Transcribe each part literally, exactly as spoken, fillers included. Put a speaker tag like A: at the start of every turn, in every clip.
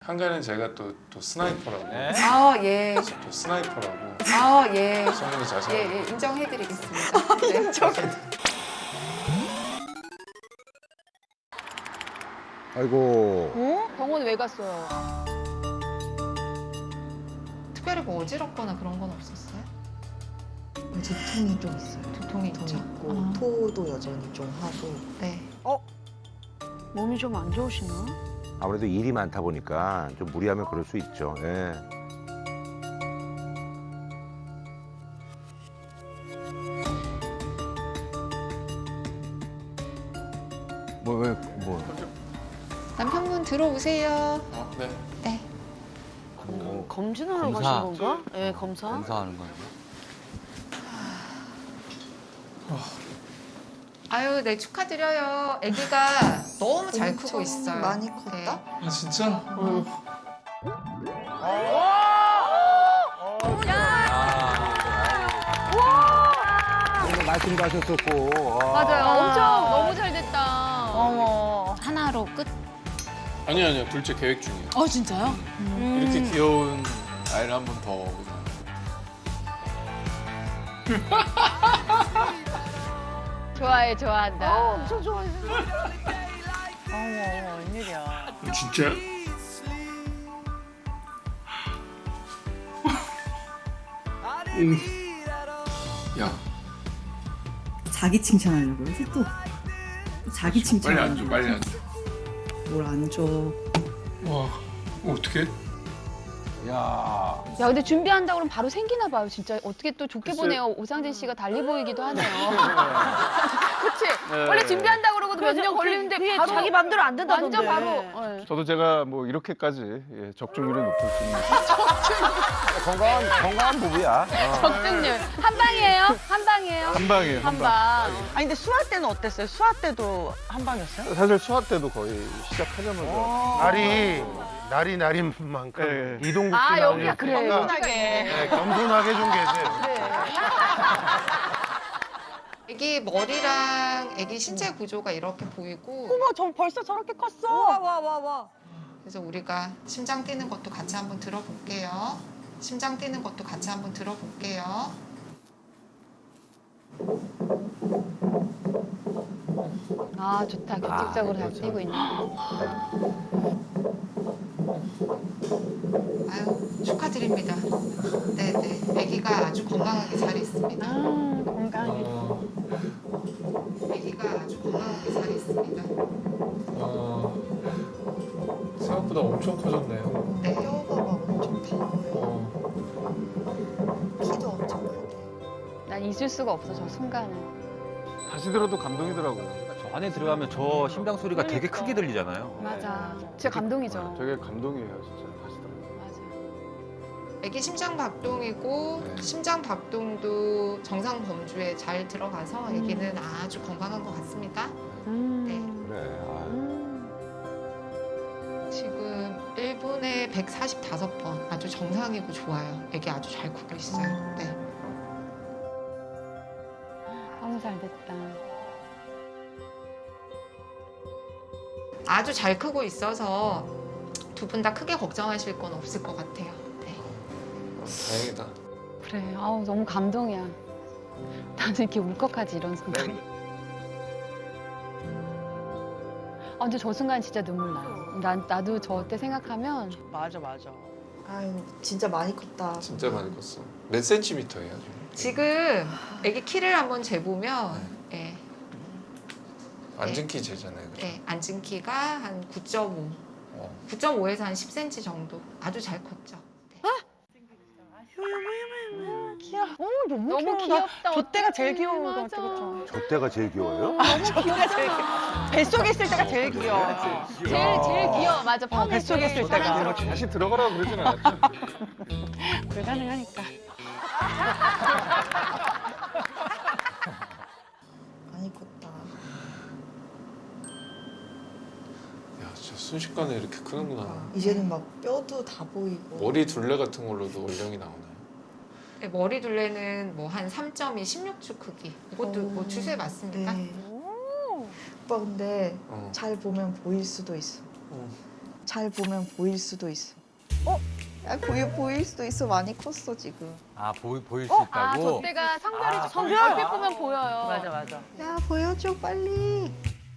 A: 한가는 제가 또, 또 스나이퍼라고.
B: 네?
C: 아, 예.
A: 또 스나이퍼라고.
C: 아, 예.
A: 성분이 자세히.
C: 예, 예, 인정해드리겠습니다. 네. 인정해.
D: 아이고.
E: 어? 병원 왜 갔어요?
C: 특별히 뭐 어지럽거나 그런 건 없었어요?
F: 두통이 좀 있어요.
C: 두통이
F: 두통이
C: 있죠.
F: 있고
C: 아.
F: 토도 여전히 좀 하고.
C: 네.
E: 몸이 좀 안 좋으시나?
D: 아무래도 일이 많다 보니까 좀 무리하면 그럴 수 있죠. 예.
B: 뭐, 왜, 뭐.
C: 남편분 들어오세요.
A: 어, 네.
C: 네.
B: 뭐
E: 검진하러
B: 검사.
E: 가신 건가? 네, 검사.
B: 검사하는 거예요.
C: 아유, 네, 축하드려요. 아기가 너무 잘 크고
F: 엄청
C: 있어요.
F: 많이 컸다?
A: 아, 진짜?
C: 네.
D: 말씀도 하셨었고. 아.
E: 맞아요. 엄청 너무 잘 됐다. 어머.
G: 하나로 끝?
A: 아니요, 아니요. 둘째 계획 중이에요.
G: 어 진짜요?
A: 이렇게 귀여운 아이를 한 번 더.
E: 좋아해, 좋아한다.
G: 엄청 좋아해. 어머 어머 웬일이야.
A: 진짜? 음. 야,
H: 자기 칭찬하려고요? 또 자기 칭찬.
A: 빨리 앉아, 빨리 앉아.
H: 뭘안 줘.
A: 와, 어떻게?
B: 야.
E: 야, 근데 준비한다고 그러면 바로 생기나 봐요. 진짜 어떻게 또 좋게
A: 글쎄.
E: 보네요. 오상진 씨가 달리 보이기도 하네요. 그치?
B: 네.
E: 원래 준비한다고 그러고도 몇 년 걸리는데 바로
G: 자기 맘대로 안 된다던데.
E: 완전 바로. 네.
I: 저도 제가 뭐 이렇게까지 예, 적중률이 높을 수는
D: 건강한, 건강한 부부야. 어.
E: 적중률. 한 방이에요? 한 방이에요?
I: 한 방이에요.
E: 한
I: 한 방.
E: 방.
G: 아니 근데 수화 때는 어땠어요? 수화 때도 한 방이었어요?
I: 사실 수화 때도 거의 시작하자마자
J: 날이 날이 날인 만큼
I: 예, 예.
J: 이동국
E: 아,
J: 씨
E: 여기가
J: 나오는
E: 그래.
J: 오빠가
G: 겸손하게.
J: 네, 겸손하게 좀 계세요.
C: 아기 머리랑 아기 신체 구조가 이렇게 보이고
G: 어머 저 벌써 저렇게 컸어. 와 와 와 와.
C: 그래서 우리가 심장 뛰는 것도 같이 한번 들어볼게요. 심장 뛰는 것도 같이 한번 들어볼게요.
E: 아, 좋다. 규칙적으로 잘 뛰고 있네.
C: 아유, 축하드립니다. 네네. 아기가 아주 건강하게 잘 있습니다.
E: 아, 건강해.
C: 아기가 아주 건강하게 잘 있습니다.
A: 아, 생각보다 엄청 커졌네요.
C: 네.
F: 뼈가 막 엄청 다 보여.
A: 어,
F: 키도 엄청 크고.
E: 난 잊을 수가 없어, 저 순간을.
I: 다시 들어도 감동이더라고요.
B: 저 안에 들어가면 저 심장 소리가 되게 크게 들리잖아요.
E: 맞아. 진짜 감동이죠.
I: 되게 감동이에요, 진짜. 다시 들어도.
E: 맞아.
C: 아기 심장 박동이고
A: 네.
C: 심장 박동도 정상 범주에 잘 들어가서 아기는 아주 건강한 것 같습니다.
E: 음.
C: 네.
D: 그래. 아.
E: 음.
C: 지금 일 분에 백사십오 번 아주 정상이고 좋아요. 아기 아주 잘 크고 있어요. 네.
E: 너무 잘 됐다.
C: 아주 잘 크고 있어서 두 분 다 크게 걱정하실 건 없을 것 같아요. 네.
A: 다행이다.
E: 그래. 아우, 너무 감동이야. 나는 이렇게 울컥하지, 이런 순간. 아, 근데 저 순간 진짜 눈물 나요. 난, 나도 저 때 생각하면
G: 맞아 맞아.
F: 아유 진짜 많이 컸다.
A: 진짜 많이 컸어. 몇 센티미터예요, 지금?
C: 지금 아기 키를 한번 재보면 예,
A: 앉은 키 재잖아요, 그죠?
C: 예, 앉은 키가 한 구 점 오,
A: 어.
C: 구 점 오에서 한 십 센티미터 정도 아주 잘 컸죠. 네.
G: 귀여워. 어 너무,
E: 너무
G: 귀여워.
E: 귀엽다.
G: 저 때가 제일 귀여운 것
E: 맞아.
G: 같아 그쵸?
D: 저 때가 제일 귀여워요?
G: 저 때가 제일 귀여워. 뱃속에 있을 때가 제일 귀여워.
E: 제일, 제일 귀여워. 맞아.
G: 어,
E: 펌이
G: 뱃속에
E: 제일
G: 있을 때가.
E: 사랑스러워.
I: 다시 들어가라고 그러진 않았죠?
G: 불가능하니까.
F: 많이 컸다.
A: 야, 진짜 순식간에 이렇게 크는구나.
F: 이제는 막 뼈도 다 보이고.
A: 머리 둘레 같은 걸로도 원령이 나오나요?
C: 네, 머리 둘레는 뭐 한 삼 점 이 십육 주 크기. 이것도 뭐 주세 맞습니까?
F: 네. 오빠 근데
A: 어.
F: 잘 보면 보일 수도 있어.
A: 어.
F: 잘 보면 보일 수도 있어. 어? 야, 보일, 보일 수도 있어. 많이 컸어, 지금.
B: 아 보이 보일 수
E: 아,
B: 있다고.
E: 저 때가 성별이
B: 아,
E: 성별 얼핏 보면 보여요.
G: 맞아 맞아.
F: 야, 보여줘, 빨리.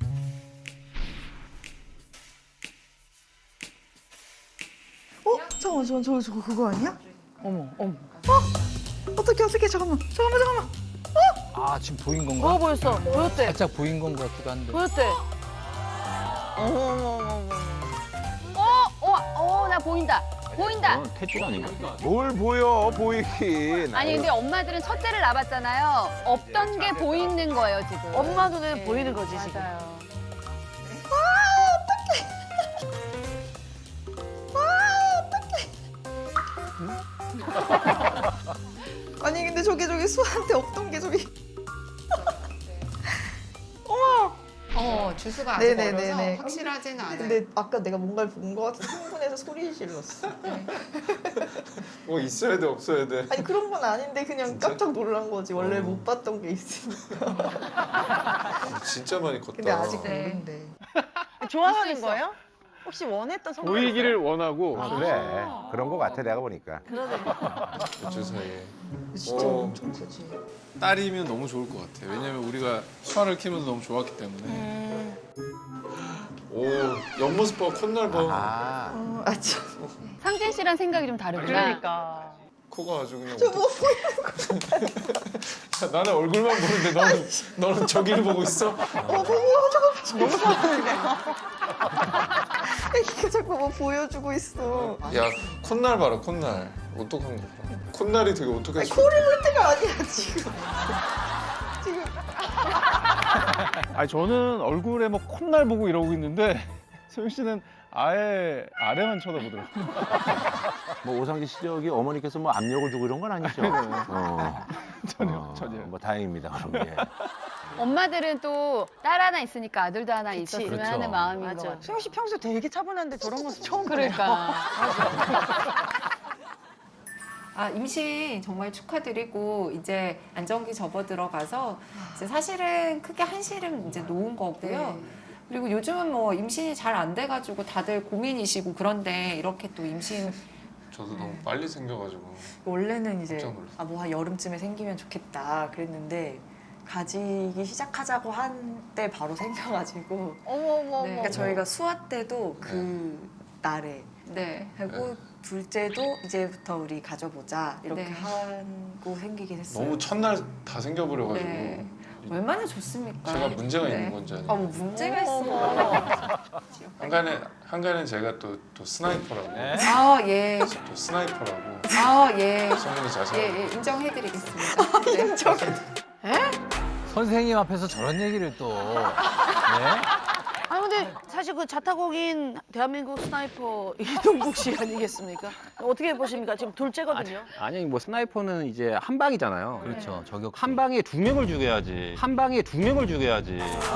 F: 어? 잠깐만, 저, 저, 저거 그거 아니야?
G: 어머 어머.
F: 어떡해, 어떡해, 잠깐만. 잠깐만, 잠깐만.
B: 아 지금 보인 건가?
G: 뭐 보였어? 보였대.
B: 살짝 보인 건 것 같기도 한데.
G: 보였대. 어머 어머 어머 어머.
E: 어, 어, 어, 나 보인다. 보인다.
B: 탯줄 아닌가?
D: 뭘 보여 보이긴.
E: 아니 근데 엄마들은 첫째를 낳았잖아요. 없던 게 보이는 거예요 지금.
G: 엄마 눈에
E: 네,
G: 보이는 거지 지금.
E: 맞아요.
F: 아니, 근데 저게 저기 수아한테 없던 게 저기.
C: 어, 주수가 아직
F: 네네네네.
C: 어려서 확실하지는 않아요.
F: 근데 아까 내가 뭔가를 본 거 같아서 흥분해서 소리 질렀어.
A: 뭐 있어야 돼 없어야 돼.
F: 아니, 그런 건 아닌데 그냥 깜짝 놀란 거지. 원래
A: 어.
F: 못 봤던 게 있으니까.
A: 진짜 많이 컸다.
F: 근데 아직
C: 네.
F: 모른대.
G: 좋아하는
E: 있어, 있어.
G: 거예요? 혹시 원했던 성별?
I: 보이기를 원하고
D: 아, 그래. 그런 거 같아 내가 보니까.
A: 어쩔 사이에.
F: 진짜
A: 어.
F: 엄청 크지.
A: 딸이면 너무 좋을 것 같아. 왜냐면 우리가 수아를 키우면서 너무 좋았기 때문에.
G: 음.
A: 오 옆모습 봐 콧날 봐.
D: 아.
F: 어, 아, 참.
E: 상진 씨랑 생각이 좀 다르구나.
G: 그러니까.
A: 코가 아주 그냥.
F: 저뭐
A: 야, 나는 얼굴만 보는데 너는 너는 저기를 보고 있어.
F: 어, 보여, 저거 너무 좋아하는데. 애기가 자꾸 뭐 보여주고 있어.
A: 야 콧날 봐라 콧날. 어떡한 거 봐. 콧날이 되게 어떡해.
F: 아니, 코를 볼 때가 아니야, 지금. 지금.
I: 아니 저는 얼굴에 뭐 콧날 보고 이러고 있는데 소영 씨는 아예 아래만 쳐다보더라고요.
D: 뭐 오상기 씨 저기 어머니께서 뭐 압력을 주고 이런 건 아니죠? 어.
I: 전혀
D: 어,
I: 전혀.
D: 뭐 다행입니다. 그럼 예.
E: 엄마들은 또 딸 하나 있으니까 아들도 하나 있었으면
B: 그렇죠.
E: 하는 마음인 것
G: 맞아.
E: 같아요.
G: 수영 씨 평소 되게 차분한데 저런 모습 처음 보네요.
E: 그러니까.
K: 아, 임신 정말 축하드리고 이제 안정기 접어 들어가서 이제 사실은 크게 한시름 이제 놓은 거고요. 그리고 요즘은 뭐 임신이 잘 안 돼가지고 다들 고민이시고 그런데 이렇게 또 임신
A: 저도 너무 빨리 생겨가지고.
F: 원래는 이제
A: 깜짝 놀랐어.
F: 아, 뭐 한 여름쯤에 생기면 좋겠다 그랬는데 가지기 시작하자고 한 때 바로 생겨가지고
G: 어머 어머
F: 그러니까 저희가 수화 때도 그 날에
K: 네.
F: 하고 둘째도 이제부터 우리 가져보자 이렇게
K: 네.
F: 하고 생기긴 했어요.
A: 너무 첫날 다 생겨버려가지고.
K: 네. 얼마나 좋습니까?
A: 제가 문제가
K: 네.
A: 있는 건지
F: 아,
A: 아니면.
F: 뭐 문제가 있어.
A: 한간에 한간에 제가 또 또 스나이퍼라고.
K: 아, 예.
A: 또 스나이퍼라고.
K: 아, 예.
A: 성민이 자신.
K: 예, 예. 인정해드리겠습니다. 네.
B: 선생님 앞에서 저런 얘기를 또. 네?
G: 아 근데 사실 그 자타공인 대한민국 스나이퍼 이동국 씨 아니겠습니까? 어떻게 보십니까? 지금 둘째거든요.
B: 아니 뭐 스나이퍼는 이제 한 방이잖아요.
E: 그렇죠.
B: 저격. 한 방에 두 명을 죽여야지. 한 방에 두 명을 죽여야지.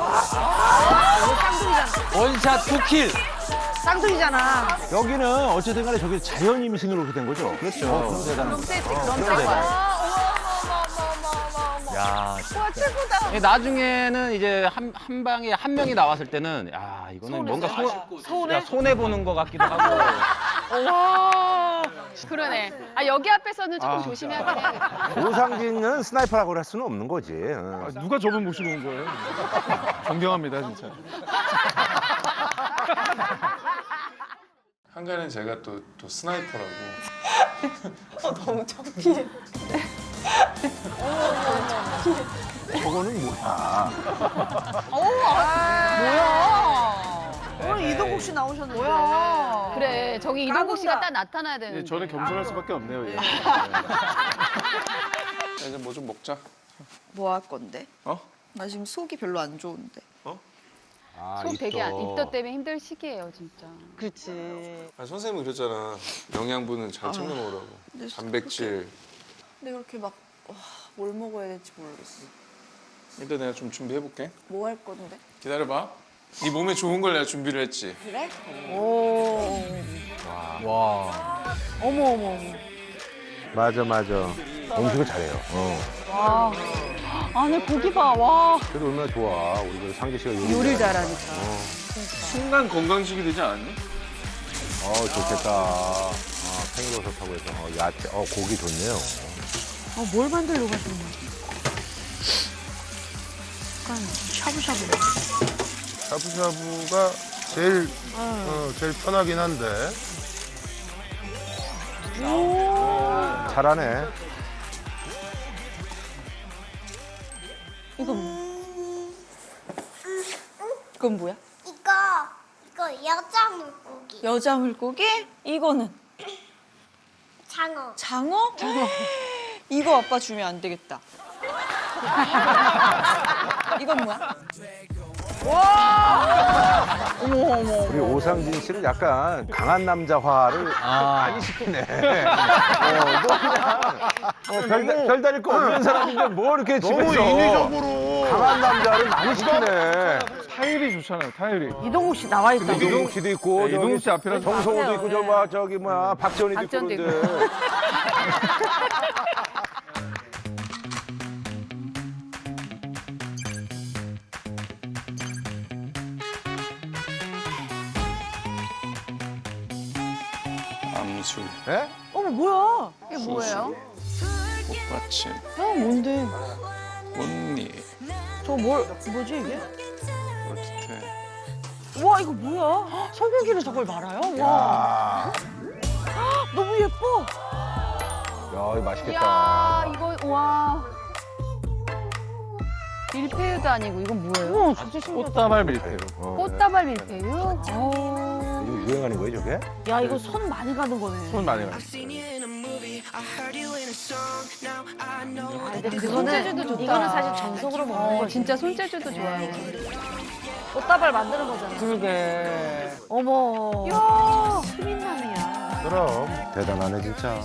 G: 쌍둥이잖아.
B: 원샷 투킬.
G: 쌍둥이잖아.
D: 여기는 어쨌든 간에 저기 자연 임신으로 그렇게 된 거죠? 그렇죠. 어, 그럼 대단한 거죠.
G: 그럼
D: 그럼
G: 대박.
B: 야,
G: 와 최고다.
B: 예, 나중에는 이제 한, 한 방에 한 명이 나왔을 때는 야 이거는 뭔가 손,
G: 서운해?
B: 야, 손해 보는 것 같기도 하고.
G: 와.
E: 그러네. 아 여기 앞에서는 조금
I: 아.
E: 조심해야긴 해야겠다.
D: 오상진은 스나이퍼라고 할 수는 없는 거지. 어.
I: 아, 누가 저분 모시고 온 거예요? 존경합니다 진짜.
A: 한간에 제가 또 또 스나이퍼라고.
F: 너무 창피해.
D: 저거는 뭐야?
G: 뭐야? 오늘 이동국 씨 나오셨는데. 뭐야?
E: 그래 저기 이동국 씨가 딱 나타나야 되는데.
I: 예, 저는 겸손할 수밖에 없네요. 예.
A: 야, 이제 뭐 좀 먹자.
F: 뭐 할 건데?
A: 어?
F: 나 지금 속이 별로 안 좋은데.
D: 아,
E: 속 되게 안,
D: 입덧.
E: 입덧 때문에 힘들 시기예요 진짜.
G: 그렇지.
A: 아, 선생님은 그랬잖아. 영양분은 잘 챙겨 먹으라고.
F: 근데
A: 단백질.
F: 근데 그렇게 막 뭘 먹어야 될지 모르겠어.
A: 일단 내가 좀 준비해볼게.
F: 뭐 할 건데?
A: 기다려봐. 네 몸에 좋은 걸 내가 준비를 했지.
F: 그래?
G: 오.
B: 와.
G: 어머 어머 어머.
D: 맞아 맞아. 음식을 잘해요. 어.
G: 와. 안에 고기 봐. 와.
D: 그래도 얼마나 좋아. 우리 그 상기 씨가 요리.
G: 요리를 잘하니까.
A: 순간 건강식이 되지 않았니?
D: 어, 좋겠다. 아, 팽이버섯하고 해서 어, 야채, 어, 고기 좋네요.
G: 어, 뭘 만들려고 하시는 거야? 약간 샤브샤브.
J: 샤브샤브가 제일 어, 제일 편하긴 한데.
D: 잘하네.
F: 이거 뭐? 이건 뭐야?
L: 이거 이거 여자 물고기.
F: 여자 물고기? 이거는
L: 장어.
F: 장어? 장어. 이거 아빠 주면 안 되겠다. 이건 뭐야? 어머 어머.
D: 우리 오상진 씨는 약간 강한 남자화를
B: 아.
D: 많이 시키네. 어, 뭐 그냥 어, 별, 별다를 거 없는 사람인데 뭐 이렇게
J: 너무
D: 집에서
J: 인위적으로.
D: 강한 남자를 많이 시키네.
I: 타율이 좋잖아요, 타율이.
G: 이동욱 씨 나와 있다.
D: 이동욱 씨도 있고,
I: 네, 이동욱 씨 앞이라서
D: 정성호도 있고, 저 뭐, 저기 뭐야, 박지원이도 있고
G: 박지원도
D: 그런데.
A: 암술,
D: 예?
F: 어머 뭐야?
E: 이게 뭐예요?
A: 꽃받침,
F: 어 뭔데?
A: 꽃잎,
G: 저 뭘, 뭐지 이게?
A: 어떻게
F: 와 이거 뭐야? 헉, 소고기를 저걸 말아요? 와. 헉, 너무 예뻐.
D: 야, 이거 맛있겠다.
E: 이야, 이거, 와. 밀푀유도 아니고, 이건 뭐예요?
F: 어머 진짜 신기하다.
I: 꽃다발 밀푀유.
D: 어,
E: 꽃다발 밀�유?
F: 어.
D: 요즘 유행하는 거예요, 저게?
G: 야 이거 손 많이 가는 거네.
I: 손 많이 가요.
G: 아, 근데
E: 손재주도 좋다.
G: 이거는 사실 정석으로 먹는
E: 어,
G: 거지.
E: 진짜 손재주도 좋아요.
G: 꽃다발 만드는 거잖아.
F: 그러게.
G: 어머.
E: 이야.
G: 수민남이야.
J: 그럼.
D: 대단하네, 진짜.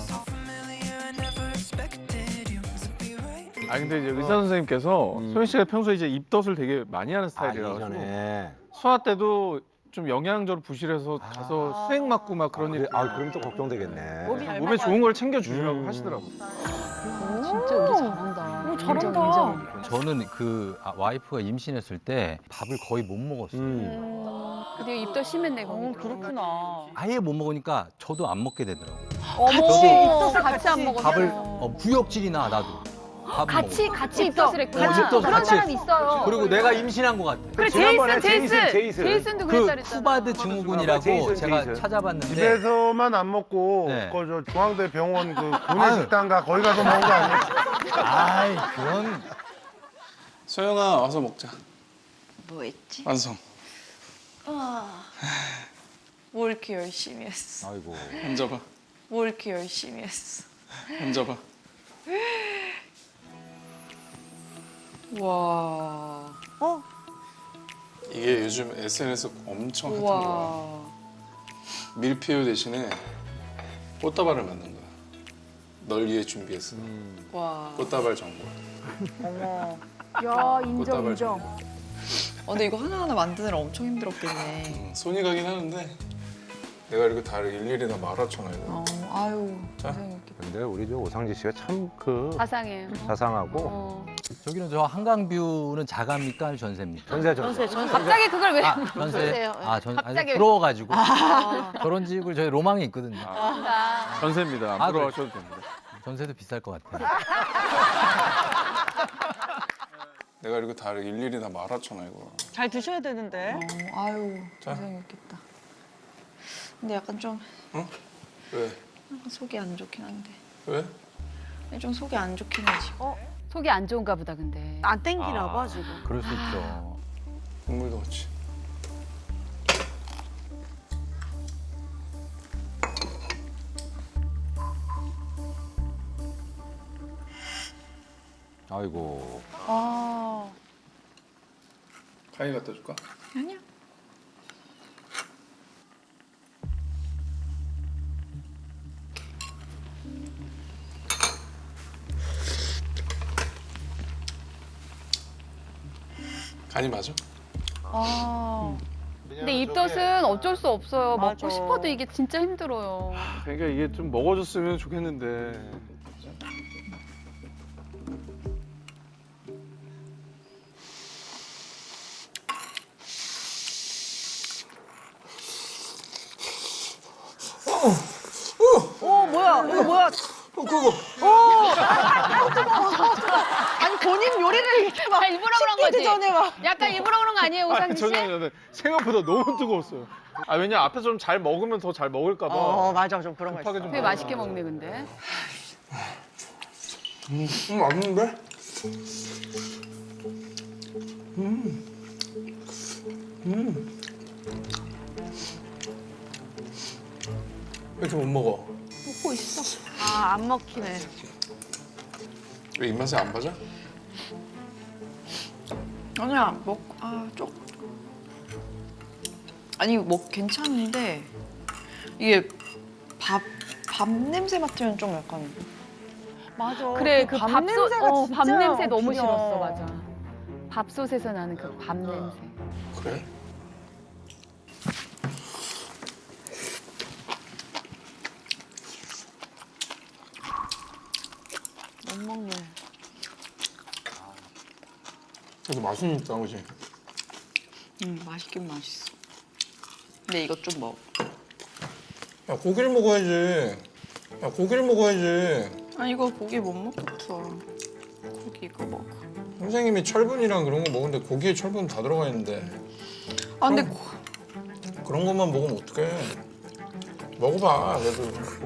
I: 아 근데 이제 의사 선생님께서
D: 음.
I: 소연 씨가 평소에 이제 입덧을 되게 많이 하는
D: 아,
I: 스타일이라서
D: 이전에.
I: 수화 때도 좀 영양적으로 부실해서 가서 수액 맞고 막 그런 일.
D: 아, 그럼 또 걱정되겠네.
G: 몸이 잘
I: 몸에 좋은 걸 챙겨 주려고
D: 음.
I: 하시더라고.
E: 진짜 요리 잘한다.
G: 오, 잘한다.
E: 인정, 인정.
B: 저는 그 아, 와이프가 임신했을 때 밥을 거의 못 먹었어요.
D: 음.
E: 근데 입덧 심했네,
F: 어
E: 거기.
F: 그렇구나.
B: 아예 못 먹으니까 저도 안 먹게 되더라고요.
E: 어머,
B: 저도
E: 입덧을 같이 안 먹었어.
B: 밥을 어, 구역질이나 나도. 밥을
E: 같이,
B: 먹어요.
E: 같이 입덧을 했구나.
B: 어, 입덧
E: 그런
B: 같이
E: 사람
B: 했어.
E: 있어요.
B: 그리고 내가 임신한 것 같아.
E: 그래,
D: 지난번에
E: 제이슨, 제이슨.
D: 제이슨, 제이슨.
E: 제이슨도
B: 그
E: 그랬다 그랬잖아.
B: 쿠바드 증후군이라고
D: 제이슨,
B: 제가
D: 제이슨.
B: 찾아봤는데
J: 집에서만 안 먹고
B: 네.
J: 그 저 중앙대 병원 그
B: 아유.
J: 구내식당가 거기 가서 먹은 거 아니야?
B: 아이 그건
A: 소영아 와서 먹자.
F: 뭐 했지?
A: 완성.
F: 아. 뭘 이렇게 열심히 했어?
D: 아이고.
A: 앉아봐.
F: 뭘 이렇게 열심히 했어?
A: 앉아봐.
F: 와. 어?
A: 이게 요즘 에스엔에스 엄청 핫한 거야.
F: 와.
A: 밀푀유 대신에 꽃다발을 만든 거야. 널 위해 준비했어.
F: 와.
A: 꽃다발 전골.
F: 어머.
E: 야, 인정,
A: 꽃다발
E: 인정.
A: 전골.
F: 어, 근데 이거 하나하나 만드느라 엄청 힘들었겠네.
A: 음, 손이 가긴 하는데 내가 이렇게 다 일일이 다 말아쳐놔야 돼.
F: 어, 아유.
A: 자.
F: 고생했겠다.
D: 근데 우리 저 오상진 씨가 참 그
E: 자상해요.
D: 자상하고
E: 어.
B: 저기는 저 한강뷰는 자가입니까 전세입니까?
D: 전세 전세.
G: 전세 전세.
E: 갑자기 그걸 왜.
B: 아 전세.
G: 전세요.
B: 아 전. 아니,
E: 갑자기.
B: 부러워가지고 결혼 지을 저희 로망이 있거든요.
E: 아,
I: 전세입니다. 안
B: 아,
I: 부러워하셔도 됩니다.
B: 전세도 비쌀 것 같아요.
A: 내가 이렇게 다 일일이 다 말아쳐놔 이거.
F: 잘 드셔야 되는데. 어, 아유.
A: 자.
F: 고생했겠다. 근데 약간 좀
A: 어? 왜?
F: 약간 속이 안 좋긴 한데.
A: 왜?
F: 좀 속이 안 좋긴 해 지금.
E: 속이 안 좋은가 보다, 근데.
G: 안 땡기나 봐 지금.
B: 그럴 수 있죠.
A: 국물도 없지.
D: 아이고.
G: 아.
A: 가위 갖다 줄까?
F: 아니야.
A: 간이 맞아?
G: 아.
E: 근데 입덧은 어쩔 수 없어요.
F: 맞아.
E: 먹고 싶어도 이게 진짜 힘들어요.
I: 그러니까 이게 좀 먹어줬으면 좋겠는데.
G: 뭐야? 이거 뭐야?
J: 그거.
G: 오! 아유, 뜨거워. 아니, 본인 요리를 이렇게 막.
E: 아, 일부러 그런 거지.
G: 식기 전에 막.
E: 약간 일부러 그런 거 아니에요, 오상진 씨?
I: 전혀 전혀 생각보다 너무 뜨거웠어요. 아 왜냐 앞에서 좀 잘 먹으면 더 잘 먹을까 봐.
G: 어, 맞아. 좀 그런 거
I: 급하게
G: 있어.
I: 좀
E: 되게 맛있게 먹네, 근데.
J: 음, 음 맛있는데? 음. 음. 왜 이렇게 못 먹어?
G: 먹고 있어. 아, 안 먹히네.
J: 왜 입맛에 안 맞아?
F: 아니야, 먹, 아, 쪽. 아니, 뭐, 괜찮은데, 이게 밥, 밥 냄새 맡으면 좀 약간. 맞아.
E: 그래, 그
F: 밥
E: 밥솥,
F: 냄새가
E: 어, 밥
F: 진짜
E: 냄새 너무
F: 기려.
E: 싫었어, 맞아. 밥솥에서 나는 그 밥 냄새.
J: 그래?
G: 못 먹네.
J: 그래도 맛은 있다, 그지?
F: 음, 맛있긴 맛있어. 근데 이것 좀 먹어.
J: 야, 고기를 먹어야지. 야, 고기를 먹어야지.
F: 아, 이거 고기 못 먹겠어. 고기 이거 먹어.
J: 선생님이 철분이랑 그런 거 먹는데 고기에 철분 다 들어가 있는데.
F: 아, 근데
J: 그럼-
F: 고-
J: 그런 것만 먹으면 어떡해. 먹어봐, 그래도.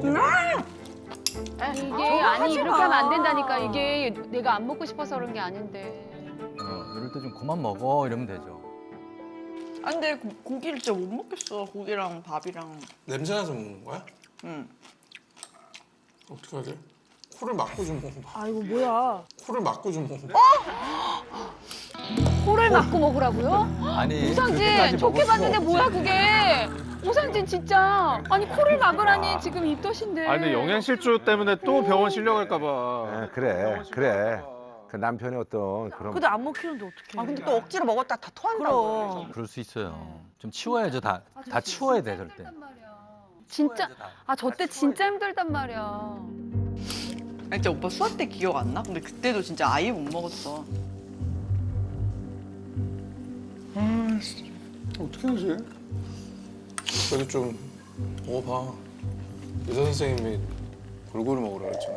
E: 이게 아니 이렇게 하면 안 된다니까. 이게 내가 안 먹고 싶어서 그런 게 아닌데.
M: 어, 이럴 때 좀 그만 먹어 이러면 되죠.
F: 아, 근데 고, 고기를 진짜 못 먹겠어. 고기랑 밥이랑.
J: 냄새나서 먹는 거야?
F: 응.
J: 어떻게 하게? 코를 막고 좀 먹어봐.
G: 아이고, 뭐야.
J: 코를 막고 좀 먹어봐.
E: 코를 막고 먹으라고요?
M: 아니
E: 오상진
M: 그렇게까지
E: 좋게
M: 먹을 수가
E: 봤는데
M: 없지.
E: 뭐야 그게? 오상진 진짜. 아니 코를 막으라니 지금 입덧인데.
I: 아 근데 영양실조 때문에 또 병원 실려갈까 봐.
D: 네, 그래, 그래. 그 남편의 어떤 그런.
G: 근데 안 먹히는데 어떡해.
F: 아, 근데 또 억지로 먹었다 다 토한다고.
G: 그럼.
M: 그럴 수 있어요. 좀 치워야죠. 다 다 치워야 돼 절대.
E: 진짜. 아 저 때 진짜 힘들단 말이야.
F: 아니, 진짜 오빠 수학 때 기억 안 나? 근데 그때도 진짜 아예 못 먹었어.
J: 아, 진짜. 어떻게 하지? 그래도 좀 먹어봐. 의사 선생님이 골고루 먹으라 그랬잖아.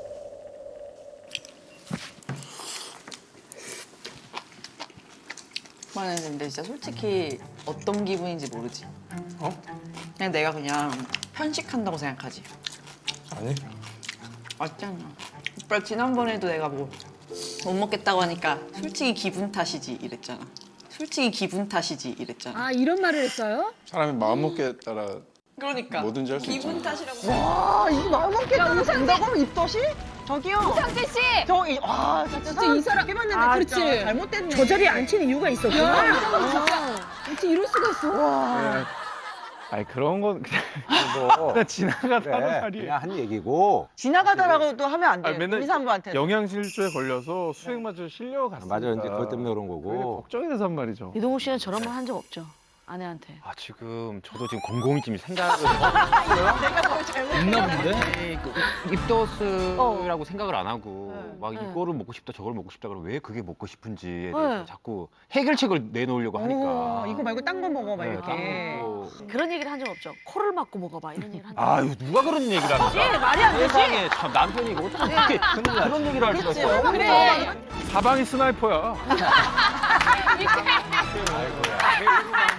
F: 오빠는 근데 진짜 솔직히 어떤 기분인지 모르지.
J: 어?
F: 그냥 내가 그냥 편식한다고 생각하지.
J: 아니.
F: 맞잖아. 오빠 지난번에도 내가 뭐 못 먹겠다고 하니까 솔직히 기분 탓이지 이랬잖아. 솔직히 기분 탓이지 이랬잖아.
E: 아 이런 말을 했어요?
J: 사람이 마음먹기에 따라
F: 그러니까
J: 뭐든지 할 수
F: 기분
J: 있잖아.
F: 탓이라고.
G: 와, 이거 마음 먹게 따라 된다고 하면 입덧이? 저기요.
E: 오상진 씨.
G: 저기, 와, 진짜
E: 이 사람
G: 해봤는데
E: 아,
G: 그렇지.
E: 진짜
G: 잘못됐네. 저 자리에 앉힌 이유가 있었구나.
E: 야, 이상은 진짜. 어떻게 이럴 수가 있어?
I: 네. 아니 그런 건 그냥,
D: 뭐,
I: 그냥 지나가다
D: 그래,
I: 하는 말이에요.
D: 그냥 한 얘기고.
G: 지나가다라고도 하면 안 돼.
I: 아니, 맨날
G: 의사한부한테.
I: 영양실조에 걸려서 수액마저 실려갔으니까.
D: 맞아, 이제 그것 때문에 그런
I: 그게
D: 거고.
I: 걱정이 돼서 한 말이죠.
G: 이동욱 씨는 저런 말 한 적 없죠? 아내한테.
B: 아 지금 저도 지금 곰곰이 지금 생각을
G: 내가 뭘 잘못.
M: 있나 본데?
B: 아니, 그 입덧이라고 생각을 안 하고
G: 네,
B: 막
G: 네.
B: 이거를 먹고 싶다 저걸 먹고 싶다 그러면 왜 그게 먹고 싶은지에
G: 네.
B: 대해서 자꾸 해결책을 내놓으려고 하니까
G: 어, 이거 말고 딴 거 먹어, 막
B: 네,
G: 이렇게.
B: 딴 거.
G: 그런 얘기를 한 적 없죠? 코를 막고 먹어봐, 이런 얘기를 한 적.
B: 아유 누가 그런 얘기를 합니까?
G: 예, 말이 안 되지?
B: 세상에 참 남편이 이거 어떻게 그런 얘기를 할 수가
G: 그치,
B: 있어요?
G: 그래.
I: 사방이 스나이퍼야.
E: 이게